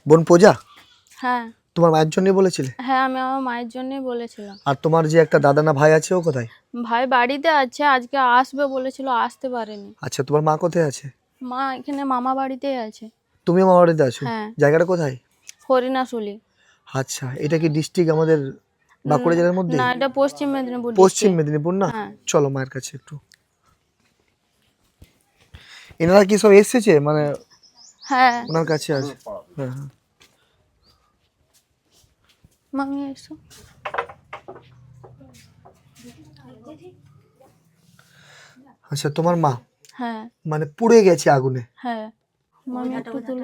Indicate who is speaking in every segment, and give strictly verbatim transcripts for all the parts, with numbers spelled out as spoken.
Speaker 1: বোন পূজা?
Speaker 2: হ্যাঁ।
Speaker 1: তোমার মায়ের জন্যই বলেছিলে?
Speaker 2: হ্যাঁ, আমি আমার মায়ের জন্যই বলেছিলাম।
Speaker 1: আর তোমার যে একটা দাদা না ভাই আছে, ও কোথায়?
Speaker 2: ভাই বাড়িতে আছে, আজকে আসবে বলেছিল, আসতে পারেনি।
Speaker 1: আচ্ছা, তোমার মা কোথায় আছে?
Speaker 2: মা এখানে মামা বাড়িতেই আছে।
Speaker 1: তুমিও মামা বাড়িতে আছো?
Speaker 2: হ্যাঁ।
Speaker 1: জায়গাটা কোথায়?
Speaker 2: হরিণাশুলি।
Speaker 1: আচ্ছা, এটা কি ডিস্ট্রিক্ট আমাদের বাঁকুড়া জেলার মধ্যে?
Speaker 2: না, এটা পশ্চিম মেদিনীপুর
Speaker 1: পশ্চিম
Speaker 2: ডিস্ট্রিক্ট।
Speaker 1: মেদিনীপুর না?
Speaker 2: হ্যাঁ।
Speaker 1: চলো মায়ের কাছে একটু। এনারা কি সব এসেছে মানে?
Speaker 2: হ্যাঁ।
Speaker 1: ওনার কাছে আছে। হ্যাঁ হ্যাঁ।
Speaker 2: মামি এসো।
Speaker 1: আচ্ছা, তোমার মা
Speaker 2: হ্যাঁ।
Speaker 1: মানে পুড়ে গেছে আগুনে?
Speaker 2: হ্যাঁ। মামি একটু তুলো।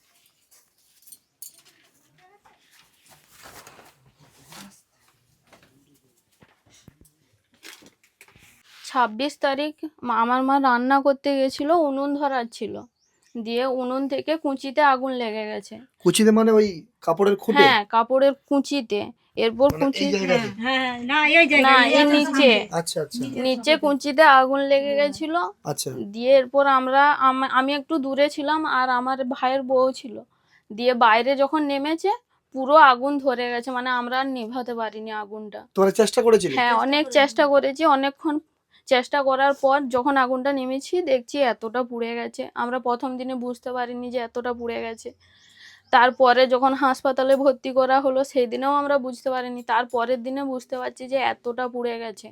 Speaker 2: ছাব্বিশ তারিখ আমার মা রান্না করতে গেছিল, উনুন ধরার ছিল, দিয়ে উনুন থেকে কুঁচিতে আগুন লেগে গেছে।
Speaker 1: কুচিতে মানে ওই কাপড়ের খুঁটে?
Speaker 2: হ্যাঁ, কাপড়ের কুঁচিতে। এরপর কুঁচি না এর নিচে।
Speaker 1: আচ্ছা আচ্ছা
Speaker 2: নিচে কুঁচিতে আগুন লেগে গেছিল।
Speaker 1: আচ্ছা।
Speaker 2: দিয়ে এরপর আমরা আম- আমি একটু দূরে ছিলাম আর আমার ভাইয়ের বউ ছিল। দিয়ে বাইরে যখন নেমেছে পুরো আগুন ধরে গেছে, মানে আমরা আর নেভাতে পারিনি আগুনটা।
Speaker 1: তোমরা চেষ্টা করেছিলে?
Speaker 2: হ্যাঁ, অনেক চেষ্টা করেছি, অনেকক্ষণ চেষ্টা করার পর যখন আগুনটা নেমেছি দেখছি এতটা পুড়ে গেছে। আমরা প্রথম দিনে বুঝতে পারিনি যে এতটা পুড়ে গেছে। তারপরে যখন হাসপাতালে ভর্তি করা হলো সেই দিনেও আমরা বুঝতে পারিনি, তারপরের দিনে বুঝতে পারছি যে এতটা পুড়ে গেছে,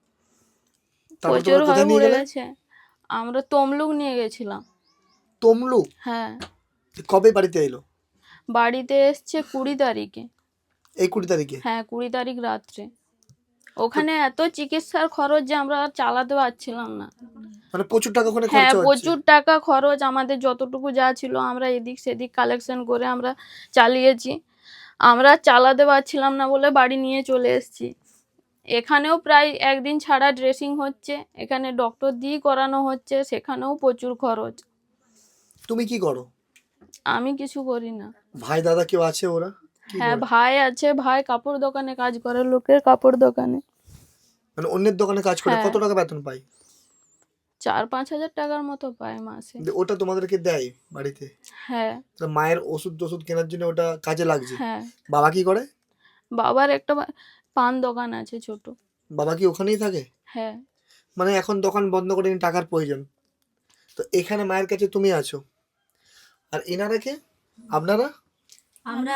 Speaker 2: প্রচুর ভাবে পুড়ে গেছে। আমরা তমলুক নিয়ে গেছিলাম।
Speaker 1: তমলুক?
Speaker 2: হ্যাঁ।
Speaker 1: কবে বাড়িতে এলো?
Speaker 2: বাড়িতে এসছে কুড়ি তারিখে।
Speaker 1: এই কুড়ি তারিখে?
Speaker 2: হ্যাঁ, কুড়ি তারিখ রাত্রে। ওখানে এত চিকিৎসার খরচ যে আমরা আর চালাতে পারছিলাম না।
Speaker 1: মানে প্রচুর টাকা ওখানে
Speaker 2: হ্যাঁ,
Speaker 1: খরচা হচ্ছে?
Speaker 2: প্রচুর টাকা খরচ। আমাদের যতটুকু যা ছিল আমরা এদিক সেদিক কালেকশন করে আমরা চালিয়েছি। আমরা চালাতে পারছিলাম না বলে বাড়ি নিয়ে চলে এসেছি। এখানেও প্রায় একদিন ছাড়া ড্রেসিং হচ্ছে, এখানে ডক্টর দিয়ে করানো হচ্ছে, সেখানেও প্রচুর খরচ।
Speaker 1: তুমি কি করো?
Speaker 2: আমি কিছু করি না।
Speaker 1: ভাই দাদা কেউ আছে ওরা?
Speaker 2: হ্যাঁ, ভাই আছে। ভাই কাপড় দোকানে কাজ করে, লোকের কাপড় দোকানে।
Speaker 1: মানে অন্যের দোকানে কাজ করে? কত টাকা বেতন পায়?
Speaker 2: চার পাঁচ হাজার টাকার মতো পায় মাসে।
Speaker 1: ওটা তোমাদেরকে দেয় বাড়িতে?
Speaker 2: হ্যাঁ।
Speaker 1: মায়ের ওষুধ টষুধ কেনার জন্য ওটা কাজে লাগছে?
Speaker 2: হ্যাঁ।
Speaker 1: বাবা কি করে?
Speaker 2: বাবার একটা পান দোকান আছে ছোট।
Speaker 1: বাবা কি ওখানেই থাকে?
Speaker 2: হ্যাঁ।
Speaker 1: মানে এখন দোকান বন্ধ করে টাকার প্রয়োজন, তো এখানে মায়ের কাছে তুমি আছো। আর এনারা কে? আপনারা?
Speaker 3: আমরা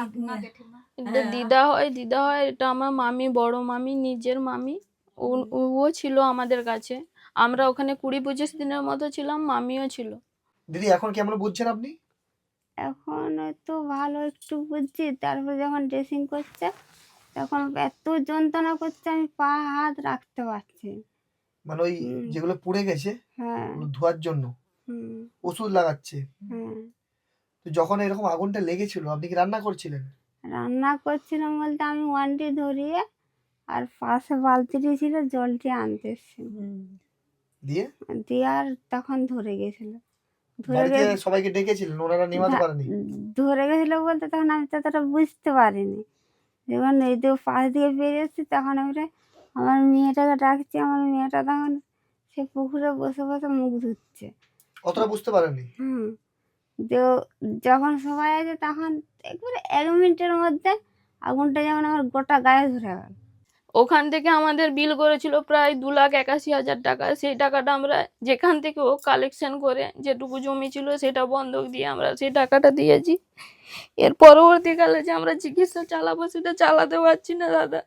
Speaker 2: এটা দিদা হয়, দিদা হয়। এটা আমার মামি, বড় মামি, নিজের মামি। ও- ও ছিল আমাদের কাছে। আমরা ওখানে কুড়ি পঁচিশ দিনের মতো ছিলাম, মামিও ছিল।
Speaker 1: দিদি এখন কেমন বুঝছেন আপনি?
Speaker 3: এখন তো ভালো একটু বুঝছি। তারপর যখন ড্রেসিং করছে তখন এত যন্ত্রণা করছে আমি পা হাত রাখতে পারছি না।
Speaker 1: মানে ওই যেগুলো পুড়ে গেছে
Speaker 3: হ্যাঁ।
Speaker 1: ওগুলো ধোয়ার জন্য
Speaker 3: হুম।
Speaker 1: ওষুধ লাগাচ্ছে।
Speaker 3: হ্যাঁ।
Speaker 1: তো যখন এরকম আগুনটা লেগেছিল আপনি কি রান্না করছিলেন?
Speaker 3: রান্না করছিলাম বলতে আমি ওয়ানটি ধরিয়ে আর পাশে বালতিটি ছিল, জলটি আনতে এসেছিলাম।
Speaker 1: দিয়ে
Speaker 3: দিয়ে আর তখন ধরে গেছিল। ধরে
Speaker 1: বাড়িতে
Speaker 3: গে-
Speaker 1: সবাইকে ডেকেছিলেন, ওনারা নেভাতে
Speaker 3: ধা-
Speaker 1: পারেনি?
Speaker 3: ধরে গেছিল বলতে তখন আমি ততটা বুঝতে পারিনি। যখন এই তো পাশ দিয়ে বেরিয়েছি তখন আমরা আমার মেয়েটাকে ডাকছি, আমার মেয়েটা তখন সে পুকুরে বসে বসে মুখ ধুচ্ছে।
Speaker 1: অতটা বুঝতে পারেনি?
Speaker 3: হুম। তো যখন সবাই আছে তখন একবারে এক মিনিটের মধ্যে আগুনটা যেমন আমার গোটা গায়ে ধরে গেল।
Speaker 2: ওখান থেকে আমাদের বিল করেছিল প্রায় দু লাখ একাশি হাজার টাকা। সেই টাকাটা আমরা যেখান থেকে ও কালেকশন করে যেটুকু জমি ছিল সেটা বন্ধক দিয়ে আমরা সেই টাকাটা দিয়েছি। এর পরবর্তীকালে যে আমরা চিকিৎসা চালাবো সেটা চালাতে পারছি না দাদা।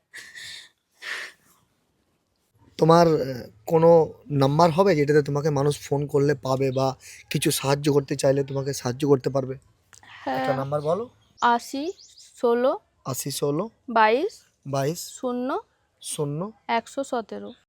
Speaker 1: তোমার আহ, কোনো নাম্বার হবে যেটাতে তোমাকে মানুষ ফোন করলে পাবে বা কিছু সাহায্য করতে চাইলে তোমাকে সাহায্য করতে পারবে? একটা
Speaker 2: হ্যাঁ,
Speaker 1: নাম্বার বলো।
Speaker 2: আশি ষোলো
Speaker 1: আশি ষোলো
Speaker 2: বাইশ
Speaker 1: বাইশ
Speaker 2: শূন্য
Speaker 1: শূন্য
Speaker 2: একশো সতেরো।